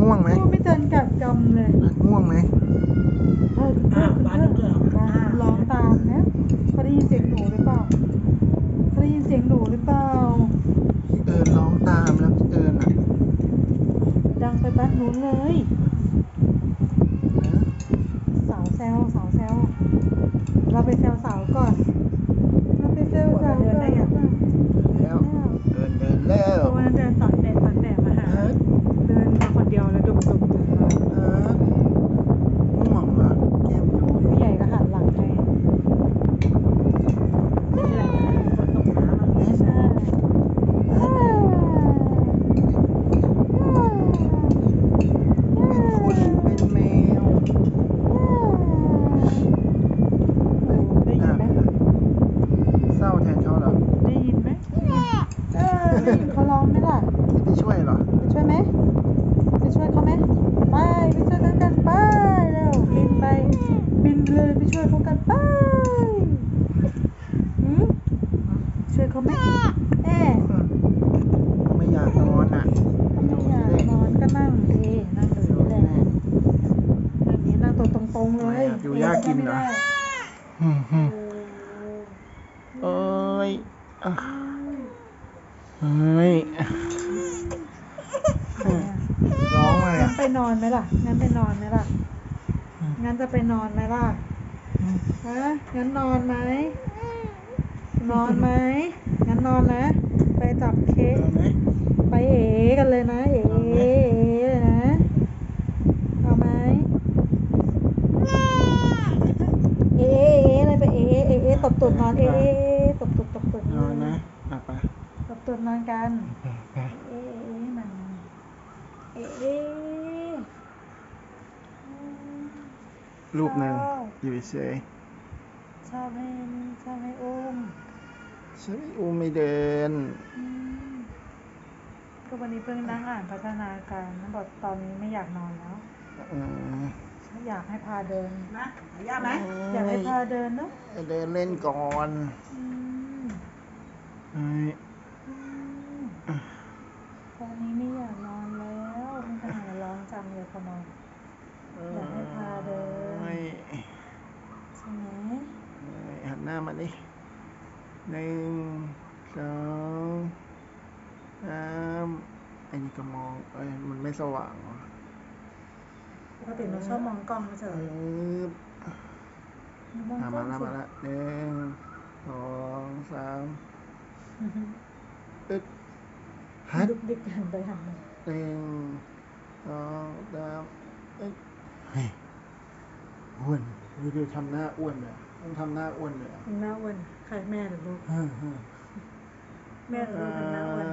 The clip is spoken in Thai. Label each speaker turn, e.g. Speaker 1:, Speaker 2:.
Speaker 1: ง่วงไหม
Speaker 2: ไม่เดินกัดกำเลย
Speaker 1: ง่วงไหม
Speaker 2: ร้องตามนะเขาได้ยินเสียงหนูหรือเปล่าเขาได้ยินเสียงหนูหรือเปล่า
Speaker 1: พี่เอิญร้องตามแล้วพี่เอิญอ่ะ
Speaker 2: ดังไปบ้านนู้นเลย
Speaker 1: นะ
Speaker 2: สาวแซวเราไปแซวสาวก่อนเราไปแซวสาวก่อน
Speaker 1: แล้วเดินแล้ว
Speaker 2: วันนั้นเดินตอนแต่มาหาเดินมาคนเดียวแล้วดุมมา
Speaker 1: ง่วงเหรอแก้มยุ้ย
Speaker 2: ผู้ใหญ่ก็หันหลังให้ไม่เป็นไรนะฝนตกน้ำไม่ใช่
Speaker 1: เป็นคนเป็นแมว
Speaker 2: ได้ยินไหม
Speaker 1: เศร้าแทนเขาเหรอ
Speaker 2: ได้ยินไหมได้ยินเขาร้องไหมล่ะ
Speaker 1: ไปช่วยเหรอ
Speaker 2: ไปช่วยไหมไปช่วยเขาไหมไปช่วยกันไปเร็วบินเลยไปช่วยเขากันไปช่วยเขาไหม
Speaker 1: ไม่อยากนอนอ่ะ
Speaker 2: ไม่อยากนอนก็นั่งดินั่งอยู่นี่แหละนั่งตัวตรงๆเลย
Speaker 1: อยู่ยากกินเหรอเอ้ยเฮ้ยร้องมา
Speaker 2: งั้นไปนอนไหมล่ะงั้นจะไปนอนไหมล่ะงั้นนอนไหมงั้นนอนนะไปจับเค้กไปกันเลยนะเลยนะเอาไหมอะไรไปตบตุ่นนอนตบตุ่น
Speaker 1: นอนนะไป
Speaker 2: ตบตุ่นนอนกันมัน
Speaker 1: รูปหนึ่งอยู่เฉย
Speaker 2: ชอบให้อุ้ม
Speaker 1: ฉันอุ้มไม่เดิน
Speaker 2: ก็วันนี้เพิ่งนั่งอ่านพัฒนาการนะบอกตอนนี้ไม่อยากนอนแล้วอยากให้พาเดินนะอยากให้พาเดินเนาะ
Speaker 1: เดินเล่นก่อน
Speaker 2: ตอนนี้ไม่อยากนอนแล้วมันจะหาร้องจังเลยพอนอนอยากให้พาเดินใช่ไหม
Speaker 1: หันหน้ามาดิ1 2 3ไอ้นี่ก็มองมันไม่สว่าง
Speaker 2: ปกติเราชอบมองกล้องไม่ใช่
Speaker 1: มาแล้ว1 2 3ฮัท
Speaker 2: ดุกดิกหันไปหันมา
Speaker 1: 1 2 3เฮ้ยอ้วนดูทำหน้าอ้วนเลยต้องทำหน้าอ้วนเลย
Speaker 2: หน้าอ้วนใครแม่หรือลูกแม่หรือลูกทำหน้าอ้วน